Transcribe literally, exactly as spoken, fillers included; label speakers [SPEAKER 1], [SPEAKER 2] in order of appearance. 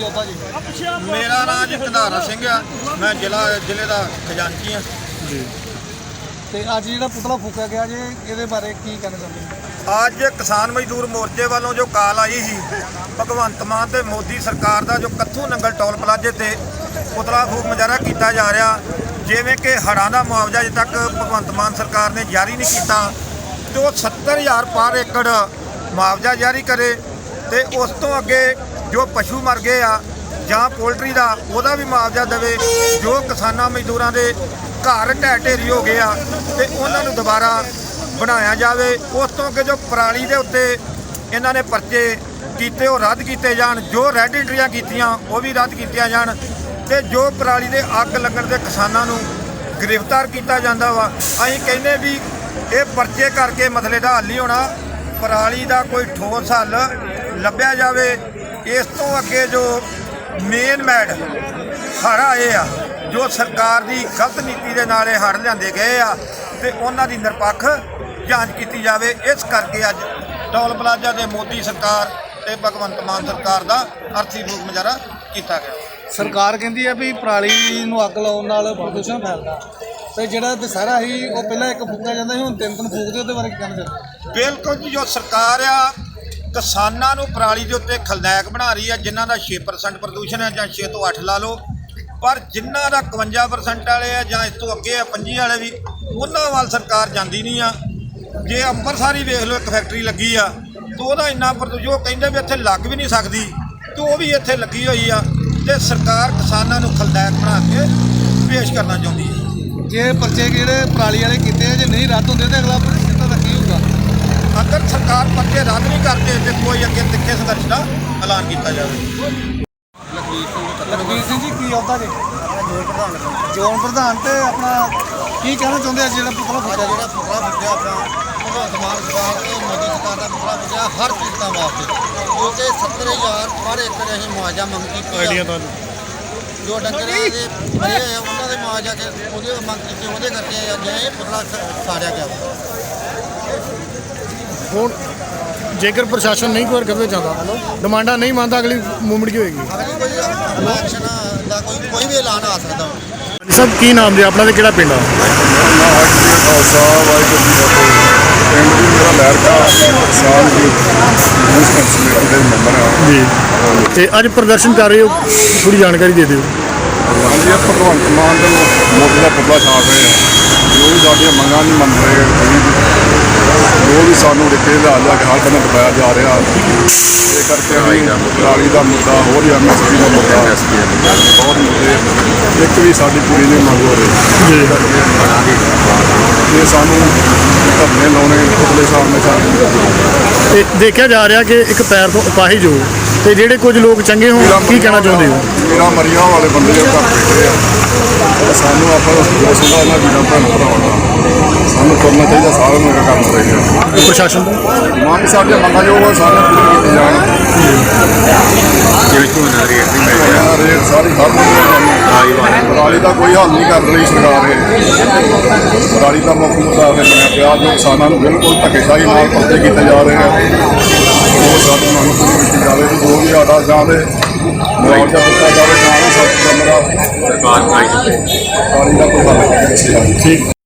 [SPEAKER 1] ਯੋਧਾ ਜੀ?
[SPEAKER 2] ਮੇਰਾ ਨਾਮ ਜੀ ਕੰਧਾਰਾ ਸਿੰਘ ਆ, ਮੈਂ ਜ਼ਿਲ੍ਹਾ ਜ਼ਿਲ੍ਹੇ ਦਾ ਖਜ਼ਾਨਚੀ ਆ
[SPEAKER 1] ਜੀ। ਤੇ ਅੱਜ ਜਿਹੜਾ ਪੁਤਲਾ ਫੂਕਿਆ ਗਿਆ ਜੇ, ਇਹਦੇ ਬਾਰੇ ਕੀ ਕਹਿਣਾ ਚਾਹੁੰਦੇ?
[SPEAKER 2] ਅੱਜ ਕਿਸਾਨ ਮਜ਼ਦੂਰ ਮੋਰਚੇ ਵੱਲੋਂ ਜੋ ਕਾਲ ਆਈ ਸੀ ਭਗਵੰਤ ਮਾਨ ਤੇ ਮੋਦੀ ਸਰਕਾਰ ਦਾ, ਜੋ ਕੱਥੂ ਨੰਗਲ ਟੋਲ ਪਲਾਜ਼ੇ ਤੇ ਪੁਤਲਾ ਫੂਕ ਮੁਜ਼ਾਹਰਾ ਕੀਤਾ ਜਾ ਰਿਹਾ, ਜਿਵੇਂ ਕਿ ਹੜ੍ਹਾਂ ਦਾ ਮੁਆਵਜ਼ਾ ਅਜੇ ਤੱਕ ਭਗਵੰਤ ਮਾਨ ਸਰਕਾਰ ਨੇ ਜਾਰੀ ਨਹੀਂ ਕੀਤਾ ਤੇ ਉਹ ਸੱਤਰ ਹਜ਼ਾਰ ਪਰ ਏਕੜ ਮੁਆਵਜ਼ਾ ਜਾਰੀ ਕਰੇ ਤੇ ਉਸ ਤੋਂ ਅੱਗੇ ਜੋ ਪਸ਼ੂ ਮਰ ਗਏ ਆ ਜਾਂ ਪੋਲਟਰੀ ਦਾ ਉਹਦਾ ਵੀ ਮੁਆਵਜ਼ਾ ਦੇਵੇ। ਜੋ ਕਿਸਾਨਾਂ ਮਜ਼ਦੂਰਾਂ ਦੇ ਘਰ ਢਹਿ ਢੇਰੀ ਹੋ ਗਏ ਆ ਤੇ ਉਹਨਾਂ ਨੂੰ ਦੁਬਾਰਾ ਬਣਾਇਆ ਜਾਵੇ। ਉਸ ਤੋਂ ਅੱਗੇ ਜੋ ਪਰਾਲੀ ਦੇ ਉੱਤੇ ਇਹਨਾਂ ਨੇ ਪਰਚੇ ਕੀਤੇ ਉਹ ਰੱਦ ਕੀਤੇ ਜਾਣ, ਜੋ ਰੈੱਡ ਐਂਟਰੀਆਂ ਕੀਤੀਆਂ ਉਹ ਵੀ ਰੱਦ ਕੀਤੀਆਂ ਜਾਣ ਤੇ ਜੋ ਪਰਾਲੀ ਦੇ ਅੱਗ ਲੱਗਣ ਦੇ ਕਿਸਾਨਾਂ ਨੂੰ ਗ੍ਰਿਫਤਾਰ ਕੀਤਾ ਜਾਂਦਾ ਵਾ। ਅਸੀਂ ਕਹਿੰਦੇ ਵੀ ਇਹ ਪਰਚੇ ਕਰਕੇ ਮਸਲੇ ਦਾ ਹੱਲ ਨਹੀਂ ਹੋਣਾ, ਪਰਾਲੀ ਦਾ ਕੋਈ ਠੋਸ ਹੱਲ ਲੱਭਿਆ ਜਾਵੇ। ਇਸ ਤੋਂ ਅੱਗੇ ਜੋ ਮੇਨ ਮੈਡ ਹੜ੍ਹ ਆਏ ਆ, ਜੋ ਸਰਕਾਰ ਦੀ ਗਲਤ ਨੀਤੀ ਦੇ ਨਾਲ ਇਹ ਹੜ੍ਹ ਲਿਆਂਦੇ ਗਏ ਆ ਤੇ ਉਹਨਾਂ ਦੀ ਨਿਰਪੱਖ ਜਾਂਚ ਕੀਤੀ ਜਾਵੇ। ਇਸ ਕਰਕੇ ਅੱਜ ਟੋਲ ਪਲਾਜ਼ਾ ਦੇ ਮੋਦੀ ਸਰਕਾਰ ਤੇ ਭਗਵੰਤ ਮਾਨ ਸਰਕਾਰ ਦਾ ਅਰਥੀ ਫੂਕ ਮੁਜ਼ਾਹਰਾ ਕੀਤਾ ਗਿਆ।
[SPEAKER 1] ਸਰਕਾਰ ਕਹਿੰਦੀ ਹੈ ਵੀ ਪਰਾਲੀ ਨੂੰ ਅੱਗ ਲਾਉਣ ਨਾਲ ਪ੍ਰਦੂਸ਼ਣ ਫੈਲਦਾ, ਤੇ ਜਿਹੜਾ ਦੁਸਹਿਰਾ ਸੀ ਉਹ ਪਹਿਲਾਂ ਇੱਕ ਫੂਕਿਆ ਜਾਂਦਾ ਸੀ, ਹੁਣ ਤਿੰਨ ਤਿੰਨ ਫੂਕਦੇ, ਉਹਦੇ ਬਾਰੇ ਕੀ ਕਹਿਣਾ ਚਾਹੁੰਦੇ?
[SPEAKER 2] ਬਿਲਕੁਲ ਜੀ, ਜੋ ਸਰਕਾਰ ਆ ਕਿਸਾਨਾਂ ਨੂੰ ਪਰਾਲੀ ਦੇ ਉੱਤੇ ਖਲਨਾਇਕ ਬਣਾ ਰਹੀ ਆ, ਜਿਨ੍ਹਾਂ ਦਾ ਛੇ ਪਰਸੈਂਟ ਪ੍ਰਦੂਸ਼ਣ ਹੈ ਜਾਂ ਛੇ ਤੋਂ ਅੱਠ ਲਾ ਲਓ, ਪਰ ਜਿਨ੍ਹਾਂ ਦਾ ਇਕਵੰਜਾ ਪਰਸੈਂਟ ਵਾਲੇ ਆ ਜਾਂ ਇਸ ਤੋਂ ਅੱਗੇ ਆ ਪੰਜੀ ਵਾਲੇ ਵੀ, ਉਹਨਾਂ ਵੱਲ ਸਰਕਾਰ ਜਾਂਦੀ ਨਹੀਂ ਆ। ਜੇ ਅੰਮ੍ਰਿਤਸਰ ਹੀ ਵੇਖ ਲਓ, ਇੱਕ ਫੈਕਟਰੀ ਲੱਗੀ ਆ ਤੇ ਉਹਦਾ ਇੰਨਾ ਪ੍ਰਦੂਸ਼ਣ, ਉਹ ਕਹਿੰਦੇ ਵੀ ਇੱਥੇ ਲੱਗ ਵੀ ਨਹੀਂ ਸਕਦੀ ਤੇ ਉਹ ਵੀ ਇੱਥੇ ਲੱਗੀ ਹੋਈ ਆ ਤੇ ਸਰਕਾਰ ਕਿਸਾਨਾਂ ਨੂੰ ਖਲਨਾਇਕ ਬਣਾ ਕੇ ਪੇਸ਼ ਕਰਨਾ ਚਾਹੁੰਦੀ ਹੈ।
[SPEAKER 1] ਜੇ ਪਰਚੇ ਜਿਹੜੇ ਪਰਾਲੀ ਵਾਲੇ ਕੀਤੇ ਆ, ਜੇ ਨਹੀਂ ਰੱਦ ਹੁੰਦੇ ਤਾਂ ਅਗਲਾ ਪ੍ਰਦੂਸ਼ਣ ਦਾ ਕੀ ਹੋਊਗਾ?
[SPEAKER 2] ਅਗਰ ਸਰਕਾਰ ਪਰਚੇ ਰੱਦ ਨਹੀਂ ਕਰਦੇ ਤੇ ਕੋਈ ਅੱਗੇ ਤਿੱਖੇ ਸੰਘਰਸ਼ ਦਾ ਐਲਾਨ ਕੀਤਾ ਜਾਵੇ।
[SPEAKER 1] ਲਖਬੀਰ ਸਿੰਘ ਜੀ, ਕੀ ਯੋਧਾ ਜੀ? ਜ਼ੋਨ ਪ੍ਰਧਾਨ। ਤੇ ਆਪਣਾ ਕੀ ਕਹਿਣਾ ਚਾਹੁੰਦੇ ਆ ਜਿਹੜਾ ਪੁਤਲਾ ਫੂਕਿਆ?
[SPEAKER 3] ਜਿਹੜਾ ਪੁਤਲਾ ਫੂਕਿਆ ਆਪਣਾ ਭਗਵੰਤ ਮਾਨ ਸਰਕਾਰ ਤੇ ਮੋਦੀ ਸਰਕਾਰ ਦਾ ਪੁਤਲਾ ਫੂਕਿਆ ਹਰ ਪੀੜਤਾਂ ਵਾਸਤੇ, ਕਿਉਂਕਿ ਸੱਤਰ ਹਜ਼ਾਰ ਪਰ ਏਕੜ ਅਸੀਂ ਮੁਆਵਜ਼ਾ ਮੰਗ ਕੀਤੀ ਆ। ਜੋ ਡੰਗਰਾਂ ਦੇ ਮਰੇ ਆ ਉਹਨਾਂ ਦੇ ਮੁਆਵਜ਼ਾ ਕੇ ਉਹਦੇ ਮੰਗ ਕੀਤੀ, ਉਹਦੇ ਕਰਕੇ ਅੱਜ ਇਹ ਪੁਤਲਾ ਸਾੜਿਆ ਗਿਆ।
[SPEAKER 4] ਹੁਣ ਜੇਕਰ ਪ੍ਰਸ਼ਾਸਨ ਨਹੀਂ ਕੋਈ ਕਰਦੇ ਚਾਹੁੰਦਾ, ਡਿਮਾਂਡਾਂ ਨਹੀਂ ਮੰਨਦਾ, ਅਗਲੀ ਮੂਵਮੈਂਟ ਕੀ ਹੋਏਗੀ?
[SPEAKER 3] ਅਗਲੀ ਕੋਈ ਐਕਸ਼ਨ ਦਾ ਕੋਈ ਕੋਈ ਵੀ ਐਲਾਨ ਆ ਸਕਦਾ।
[SPEAKER 4] ਸਭ ਕੀ ਨਾਮ ਜੀ ਆਪਣਾ ਤੇ ਕਿਹੜਾ ਪਿੰਡ ਆ?
[SPEAKER 5] ਖਾਲਸਾ ਵਾਹਿਗੁਰੂ ਜੀ ਕੀ ਫਤਿਹ। ਪਿੰਡ ਵੀ ਮੇਰਾ ਲਹਿਰਕਾ ਸਾਲ ਦੀ ਯੂਥ ਕਮੇਟੀ ਦੇ ਮੈਂਬਰ ਆ
[SPEAKER 4] ਜੀ। ਤੇ ਅੱਜ ਪ੍ਰਦਰਸ਼ਨ ਕਰ ਰਹੇ ਹੋ, ਥੋੜੀ ਜਾਣਕਾਰੀ ਦੇ ਦਿਓ।
[SPEAKER 5] ਹਾਂਜੀ, ਇਹ ਭਗਵੰਤ ਮਾਨ ਦੇ ਮੋਦੀ ਦਾ ਪੁਤਲਾ ਛਾੜ ਰਹੇ ਆ, ਜੋ ਵੀ ਸਾਡੀਆਂ ਮੰਗਾਂ ਨਹੀਂ ਮੰਨ ਰਹੇ, ਜੋ ਵੀ ਸਾਨੂੰ ਰਿਕੇ ਲਿਆ ਲਿਆ ਕੇ ਹਰ ਬੰਦਾ ਦਬਾਇਆ ਜਾ ਰਿਹਾ। ਇਹ ਕਰਕੇ ਅਸੀਂ ਪਰਾਲੀ ਦਾ ਮੁੱਦਾ, ਹੋਰ ਹੀ ਐਮ ਐਸ ਪੀ ਦਾ ਮੁੱਦਾ, ਬਹੁਤ ਮੁੱਦੇ ਇੱਕ ਵੀ ਸਾਡੀ ਪੂਰੀ ਨਹੀਂ ਮੰਗ ਹੋ ਰਹੀ।
[SPEAKER 4] ਜੀ।
[SPEAKER 5] ਇਹ ਸਾਨੂੰ ਧਰਨੇ ਲਾਉਣੇ ਪੁਤਲੇ ਸਾਹਮਣੇ ਸਾਨੂੰ।
[SPEAKER 4] ਤੇ ਦੇਖਿਆ ਜਾ ਰਿਹਾ ਕਿ ਇੱਕ ਪੈਰ ਤੋਂ ਅਪਾਹਿਜ ਹੋ ਤੇ ਜਿਹੜੇ ਕੁਝ ਲੋਕ ਚੰਗੇ ਹੋਣ, ਕੀ ਕਹਿਣਾ ਚਾਹੁੰਦੇ ਹੋ?
[SPEAKER 5] ਮੇਰਾ ਮਰੀਆਂ ਵਾਲੇ ਬੰਦੇ ਘਰ ਬੈਠੇ ਆ, ਸਾਨੂੰ ਆਪਾਂ ਉਸ ਦਾ ਉਹਨਾਂ ਵੀਰਾਂ ਭੈਣ ਭਰਾਵਾਂ ਦਾ ਸਾਨੂੰ ਕਰਨਾ ਚਾਹੀਦਾ, ਸਾਰਿਆਂ ਨੂੰ ਇਹ ਕੰਮ ਚਾਹੀਦਾ।
[SPEAKER 4] ਪ੍ਰਸ਼ਾਸਨ ਤੋਂ
[SPEAKER 5] ਮੰਗ ਸਾਡੀਆਂ ਮੰਗਾਂ ਜੋ ਉਹ ਸਾਰੀਆਂ ਪੂਰੀਆਂ ਕੀਤੀਆਂ ਜਾਣ।
[SPEAKER 6] ਜਿਵੇਂ ਝੋਨਾ ਰੇਟ ਨਹੀਂ ਮਿਲ ਰਿਹਾ,
[SPEAKER 5] ਰੇਟ ਸਾਰੀ ਖਤਮ ਹੋ ਗਈ। ਪਰਾਲੀ ਦਾ ਕੋਈ ਹੱਲ ਨਹੀਂ ਕਰ ਰਹੀ ਸਰਕਾਰ। ਇਹ ਪਰਾਲੀ ਦਾ ਮੁੱਖ ਮੁੱਦਾ ਬਣਿਆ ਪਿਆ, ਜੋ ਕਿਸਾਨਾਂ ਨੂੰ ਬਿਲਕੁਲ ਧੱਕੇਸ਼ਾਹੀ ਨਾਲ ਪਰਚੇ ਕੀਤੇ ਜਾ ਰਹੇ ਆ, ਉਹ ਸਾਡੀ ਮੰਗ ਪੂਰੀ ਕੀਤੀ ਜਾਵੇ ਕਿ ਜੋ ਵੀ ਸਾਡਾ ਜਾਂ ਦੇ ਮੁਆਵਜ਼ਾ ਦਿੱਤਾ ਜਾਵੇ, ਜਾਂ ਨਾ ਸਾਡੀ ਦਾ
[SPEAKER 6] ਸਰਕਾਰ
[SPEAKER 5] ਪਰਾਲੀ ਦਾ ਕੋਈ ਹੱਲ ਕੀਤਾ ਜਾਵੇ।
[SPEAKER 4] ਠੀਕ।